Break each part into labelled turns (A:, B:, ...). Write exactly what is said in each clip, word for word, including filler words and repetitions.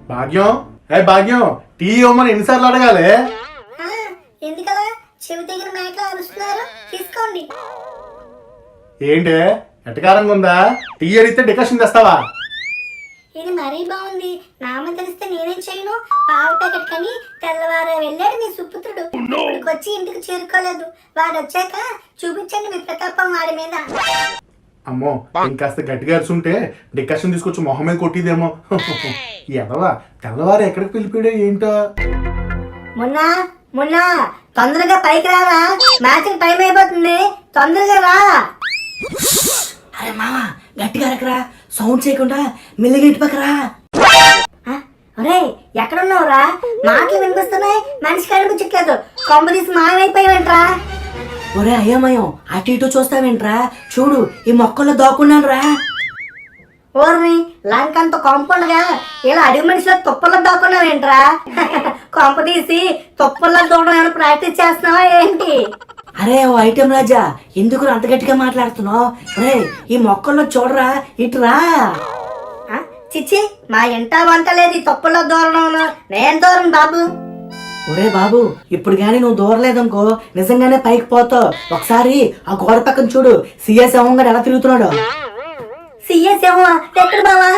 A: భాగ్యం ఏ భాగ్యం టీ ఇవ్వమని ఎన్నిసార్లు అడగాలి?
B: ఎందుకలా చెవి దగ్గర మేకలు అరుస్తున్నారు? తీసుకోండి.
A: ఏంటి ఎటకారంగా ఉందా? టీ అడిగితే డికషన్ తెస్తావా?
B: ఇది మరీ బాగుంది. నామ తెలిస్తే నేనేం చేయను. పావు ప్యాకెట్ కని తెల్లవారు వెళ్ళాడు మీ సుపుత్రుడు. ఇక్కడికి వచ్చి ఇంటికి చేరుకోలేదు. వాడు వచ్చాక చూపించండి మీ ప్రతాపం వాడి మీద.
A: అమ్మో ఇంకాస్త గట్టిగా అరుచుంటే డికషన్ తీసుకొచ్చి మొహం మీద కొట్టిదేమో. ఎదవా తెల్లవారు ఎక్కడికి వెళ్ళిపోయాడో ఏంటో.
B: మొన్న మొన్న తొందరగా పైకి రారా, మ్యాచ్ టైం అయిపోతుంది. తొందరగా రా.
C: అరే మామ గట్టిగా అరకరా, సౌండ్ చేయకుండా మెల్లిగా ఇటు పక్కరా.
B: ఒరే ఎక్కడున్నావురా? మాటలు వినిపిస్తున్నాయి, మనిషి కనిపించట్లేదు. కొంప తీసి మాయమైపోయావంట్రా.
C: ఒరే అయ్యమయం అటు ఇటు చూస్తావేంట్రా? చూడు ఈ మొక్కల్లో దాక్కున్నాను రా.
B: ఓర్ని లంకంత కొంపలుగా ఇలా అడిగి మనిషిలో తుప్పల్లో దాక్కున్నావేంట్రా? కొంప తీసి తుప్పల్లో దూడడం ఏమైనా ప్రాక్టీస్ చేస్తున్నావా ఏంటి?
C: అరే ఓ ఐటెం రాజా, ఎందుకు అంత గట్టిగా మాట్లాడుతున్నావు? రే ఈ మొక్కల్లో చూడరా, ఇటురా.
B: చిచ్చి మా ఇంట వంట లేదు ఈ తుప్పల్లో దూరడం. నేను దూరం బాబు.
C: ఒరే బాబు ఇప్పుడు గానీ నువ్వు దూరలేదనుకో నిజంగానే పైకి పోతావు. ఒకసారి ఆ గోడ పక్కన చూడు, సిఎస్ ఏమో ఎలా తిరుగుతున్నాడు.
B: సిఎస్ ఏమో ఎక్కడ బావా?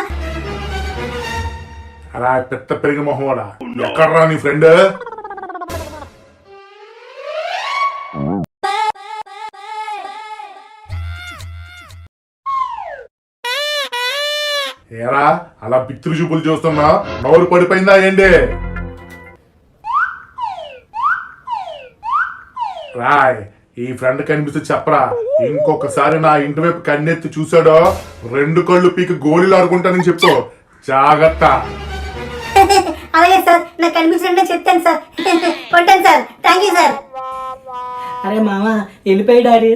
A: అలా పెద్ద పెరిగి మొహం కూడా ఎక్కడరా నీ ఫ్రెండ్? ఏరా అలా బిత్తులు చూపులు చూస్తున్నా, నోరు పడిపోయిందా ఏంటి? రాయ్ ఈ ఫ్రెండ్ కనిపిస్తే చెప్పరా, ఇంకొకసారి నా ఇంటి వైపు కన్నెత్తి చూసాడో రెండు కళ్ళు పీకి గోళీలు ఆడుకుంటానని చెప్పు. జాగ్రత్త.
B: అలాగే సార్, నాకు కనిపించినట్టే చెప్తాను సార్. కొట్టాను సార్. Thank you sir.
C: అరే మామ వెళ్ళిపోయి డాడీ.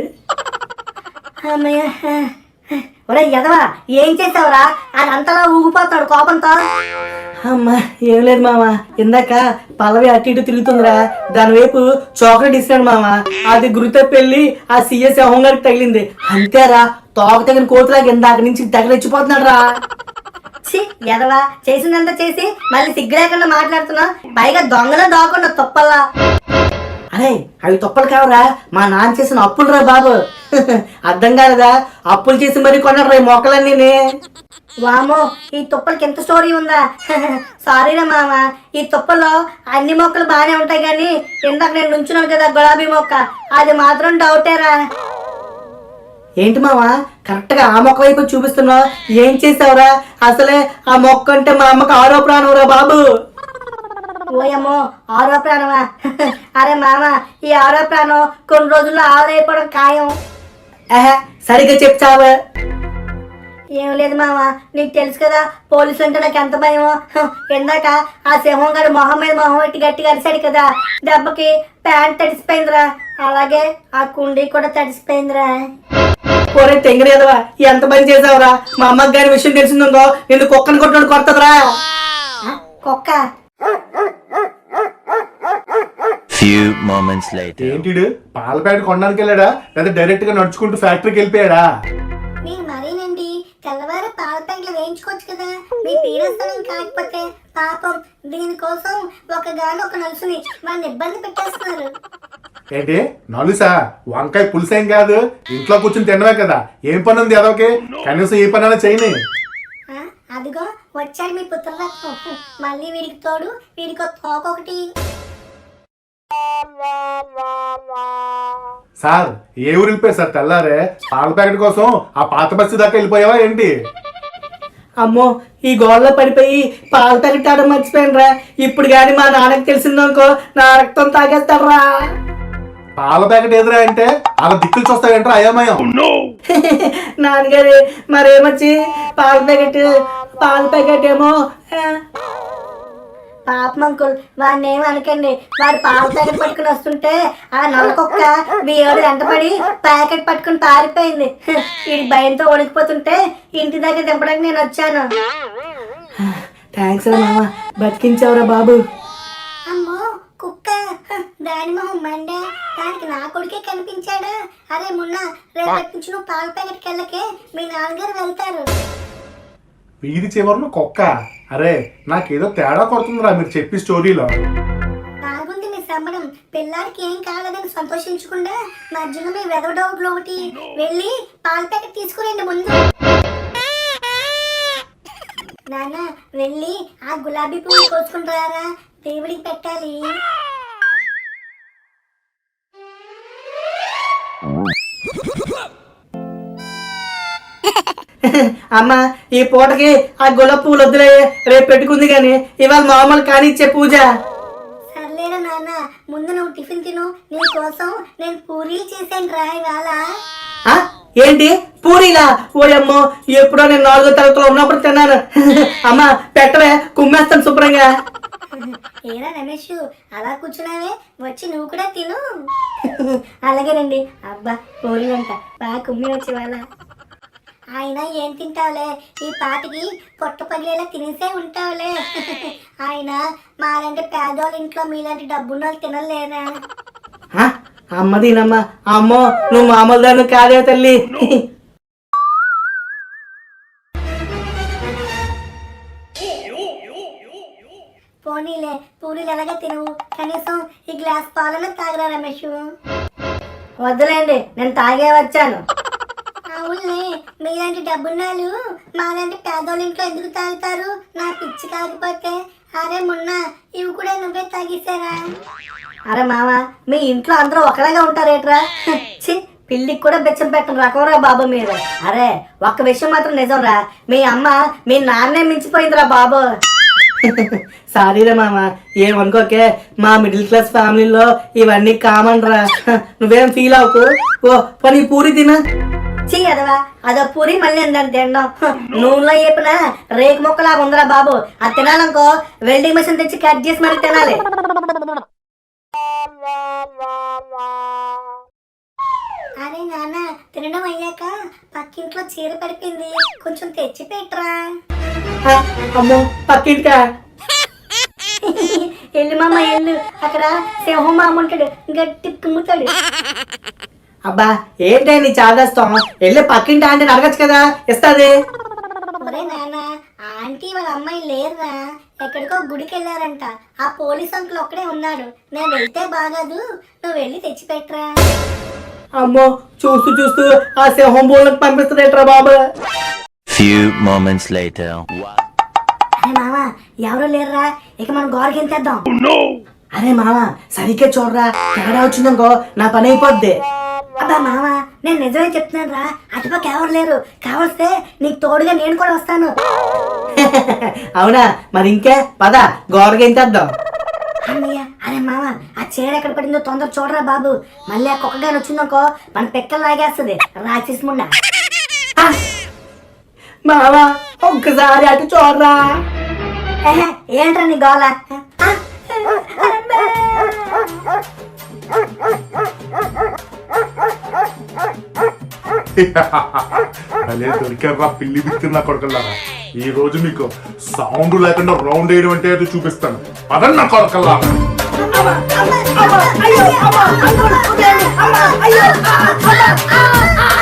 B: ఒరే ఎదవా ఏం చేసావురా? అది అంతలా ఊగిపోతాడు కోపంతో.
C: అమ్మా ఏం లేదు మామ, ఇందాక పల్లవి అటు ఇటు తిరుగుతుందిరా, దాని వైపు చాక్లెట్ ఇస్తాడు మామ. అది గురితో పెళ్లి ఆ సిఎస్ హోంగారికి తగిలింది. అంతేరా, తోక తగిన కోతులాగా ఇందాక నుంచి తగిలిచ్చిపోతున్నాడు రా.
B: ఎదవా చేసిందంతా చేసి మళ్ళీ సిగ్గు లేకుండా మాట్లాడుతున్నా, పైగా దొంగలో దాకుండా తొప్పల్లా.
C: అరే అవి తొప్పలు కావరా, మా నాన్న చేసిన అప్పులు రా బాబు. అర్థం కాలేదా? అప్పులు చేసి మరి కొన్నాడు రా మొక్కలన్నీ.
B: వామో ఈ తుప్పలకి ఎంత స్టోరీ ఉందా? సారీరా మామ, ఈ తుప్పల్లో అన్ని మొక్కలు బాగానే ఉంటాయి కానీ ఇందాక నేను నుంచున్నాను కదా గులాబీ మొక్క, అది మాత్రం డౌటేరా.
C: ఏంటి మావా కరెక్ట్ గా ఆ మొక్క వైపు చూపిస్తున్నావు? ఏం చేసావురా? అసలే ఆ మొక్క అంటే మా అమ్మకి ఆరో ప్రాణం రా బాబు.
B: ఓయమ్మో ఆరో ప్రాణమా? అరే మామ ఈ ఆరో ప్రాణం కొన్ని రోజుల్లో ఆరైపోవడం ఖాయం.
C: ఆహా సరిగ్గా చెప్తావా?
B: ఏం లేదు మామ, నీకు తెలుసు కదా పోలీసు అంటే నాకు ఎంత భయమో. ఇందాక ఆ సింహం గారు మొహం మీద మొహం పెట్టి గట్టిగా అరిశాడు కదా, దెబ్బకి ప్యాంట్ తడిసిపోయిందిరా. అలాగే ఆ కుండీ కూడా తడిసిపోయిందిరా.
C: పోరే తెంగరేదవా ఎంత పని చేసావురా? మా అమ్మకి గారి విషయం తెలిసిందో నేను కుక్కని కొట్టడానికి కొడతదిరా.
B: కుక్క
A: ఏంటి పాల ప్యాకెట్ కొనడానికి వెళ్ళాడా లేదా డైరెక్ట్ గా నడుచుకుంటూ ఫ్యాక్టరీకి వెళ్ళిపోయాడా?
B: మీరు మరీనండి తెల్లవారు పాల ప్యాకెట్లు వేయించుకోవచ్చు కదా, మీ పీడస్థలం కాకపోతే. పాపం దీనికోసం ఒక గాని ఒక నలుసుని వాడిని ఇబ్బంది పెట్టేస్తున్నారు.
A: ఏంటి నలుసా? వంకాయ పులుసేం కాదు, ఇంట్లో కూర్చుని తినవే కదా. ఏం పని ఉంది అదొకే? కనీసం ఏ పని అయినా చేయని.
B: అదిగో వచ్చాడు మీ పుత్రరత్నం. మళ్ళీ వీడికి తోడు వీడికి తోకొకటి.
A: సార్ ఏ ఊరు వెళ్ళిపోయారు సార్ తెల్లారే? పాల ప్యాకెట్ కోసం ఆ పాత బస్సు దాకా వెళ్ళిపోయావా ఏంటి?
C: అమ్మో ఈ గోడలో పడిపోయి పాల ప్యాకెట్ ఆడడం మర్చిపోయాను రా. ఇప్పుడు గాని మా నాన్నకి తెలిసిందనుకో నా రక్తం తాగేస్తాడరా.
A: పాల ప్యాకెట్ ఎదురా అంటే అలా దిక్కులు చూస్తావేంట్రా అయోమయం?
C: నాన్నగారు మరేమొచ్చి పాల ప్యాకెట్ పాల ప్యాకెట్ ఏమో.
B: పాపం అంకుల్ వాడిని ఏమి అనకండి. వాడు పాల ప్యాకెట్ పట్టుకుని వస్తుంటే ఆ నల్లకొక్క వీడు వెంటపడి ప్యాకెట్ పట్టుకుని పారిపోయింది. ఈ భయంతో వణికిపోతుంటే ఇంటి దగ్గర దింపడానికి నేను వచ్చాను.
C: థ్యాంక్స్ రా మామ, బతికించావురా బాబు.
B: అమ్మో కుక్క దాని మొహం మండే, దానికి నా కొడుకే కనిపించాడా? అరే మొన్న రేపటి నుంచి నువ్వు పాల ప్యాకెట్కి వెళ్ళకే, మీ నాన్నగారు వెళ్తారు.
A: వీధి చివరన కుక్క. అరే నాకేదో తేడా కొడుతుందిరా మీరు చెప్పి స్టోరీలో.
B: బాగుంది మీ సంబడం. పిల్లాడికి ఏం కాలేదని సంతోషించకుండా మధ్యలో మీ వెదవ డౌట్లు ఒకటి. వెళ్ళి పాల ప్యాకెట్ తీసుకురండి ముందు. నాన్న వెళ్ళి ఆ గులాబీ పువ్వు కోసుకుని రారా, దేవుడికి పెట్టాలి.
C: అమ్మ ఈ పూటకి ఆ గులాబీ పువ్వులు వద్దులే, రేపు పెట్టుకుంది కానీ ఇవాళ మామూలు కానిచ్చే పూజ.
B: సర్లేరా నాన్న, ముందు నువ్వు టిఫిన్ తిను. నీ కోసం నేను పూరీలు చేశాను రా ఇవాళ.
C: ఆ, ఏంటి పూరీలా? ఓయమ్మో, ఎప్పుడో నేను నాలుగో తరగతిలో ఉన్నప్పుడు తిన్నాను. అమ్మ పెట్టవే, కుమ్మేస్తాను శుభ్రంగా.
B: ఏరా రమేష్ అలా కూర్చున్నావే, వచ్చి నువ్వు కూడా తిను. అలాగేనండి. అబ్బా పూరీలంట బాగా కుమ్మి వచ్చి వాళ్ళ. ఆయన ఏం తింటావులే, ఈ పాటికి పొట్ట పగిలేలా తినేసే ఉంటావులే. ఆయన మాలాంటి పేదోళ్ళ ఇంట్లో మీలాంటి డబ్బున్న వాళ్ళు తినలేరా.
C: ఆ, అమ్మ దీనమ్మా. అమ్మో నువ్వు మామూలు దాన్ని కాదే తల్లి.
B: పోనీలే, పూరీలు ఎలాగ తినవు, కనీసం ఈ గ్లాస్ పాలన తాగరా రమేష్. వద్దులేండి, నేను తాగే వచ్చాను. అవునులే, మీలాంటి డబ్బున్నాళ్ళు మాలాంటి పేదోళ్ళ ఇంట్లో ఎందుకు తాగుతారు? నా పిచ్చి కాకపోతే. అరే మొన్న ఇవి కూడా నువ్వే తాగేసారా? అరే మామ, మీ ఇంట్లో అందరూ ఒకలాగా ఉంటారేట్రా? చి, పిల్లికి కూడా బెచ్చం పెట్టను రకవరా బాబు మీరు. అరే ఒక్క విషయం మాత్రం నిజం రా, మీ అమ్మ మీ నాన్నే మించిపోయిందిరా బాబు.
C: సారీరా మామ, ఏమనుకోకే. మా మిడిల్ క్లాస్ ఫ్యామిలీలో ఇవన్నీ కామన్ రా. నువ్వేం ఫీల్ అవ్వకు. ఓ పని పూరి తినా.
B: చీ అదవా, అదో పూరి మళ్ళీ ఏందని తినడం. నూనెలో వేపిన రేకు మొక్కలా ఉందిరా బాబు. అది తినాలనుకో వెల్డింగ్ మెషిన్ తెచ్చి కట్ చేసి మరి తినాలి. అరే నాన్న, తినడం అయ్యాక పక్కింట్లో చీర పడిపోయింది, కొంచెం తెచ్చి పెట్టరా.
C: అమ్మో పక్కింటికా?
B: ఎల్లు మామ ఎల్లు, అక్కడ సింహం మామ ఉంటాడు, గట్టి కుమ్ముతాడు.
C: అబ్బా ఏంటే నీ చాదాస్తాం? వెళ్ళి పక్కింటి ఆంటీ అడగచ్చు కదా, ఇస్తాది.
B: ఒరే నాన్న, ఆంటీ వాళ్ళ అమ్మాయి లేరురా, ఎక్కడికో గుడికి వెళ్ళారంట. ఆ పోలీస్ అంకుల్ ఒక్కడే ఉన్నాడు. నేను వెళ్తే బాగాదు, నువ్వు వెళ్ళి తెచ్చిపెట్టరా.
C: అమ్మో చూస్తూ చూస్తూ ఆ సింహం బోళ్ళకి పంపిస్తుందేట్రా బాబు.
D: Few moments later.
B: అరే మామ, ఎవరు లేరురా, ఇక మనం గోడకి ఎంతేద్దాం.
C: అరే మామ సరిగ్గా చూడరా, తేడా వచ్చిందనుకో నా పని అయిపోద్ది.
B: అబ్బా మామ, నేను నిజమే చెప్తున్నాను రా, అటుపక్క ఎవరు లేరు. కావలిస్తే నీకు తోడుగా నేను కూడా వస్తాను.
C: అవునా, మరి ఇంకే పద గోడకి ఎంతేద్దాం.
B: అన్నయ్య, అరే మామ, ఆ చీర ఎక్కడ పడిందో తొందర చూడరా బాబు. మళ్ళీ ఆ కుక్కగాని వచ్చిందనుకో మన పెక్కలు లాగేస్తుంది రాక్షసి ముండ.
C: మామ ఒక్కసారి అటు చూడరా.
B: ఏహే, ఏంట్రా నీ గోల?
A: అలే దొరికారా పిల్లి బిత్తిన కొడకల్లారా. ఈ రోజు మీకు సౌండ్ లేకుండా రౌండ్ వేయడం అంటే ఏదో చూపిస్తాను. పదన్న కొడకల్లా.
B: అయ్యో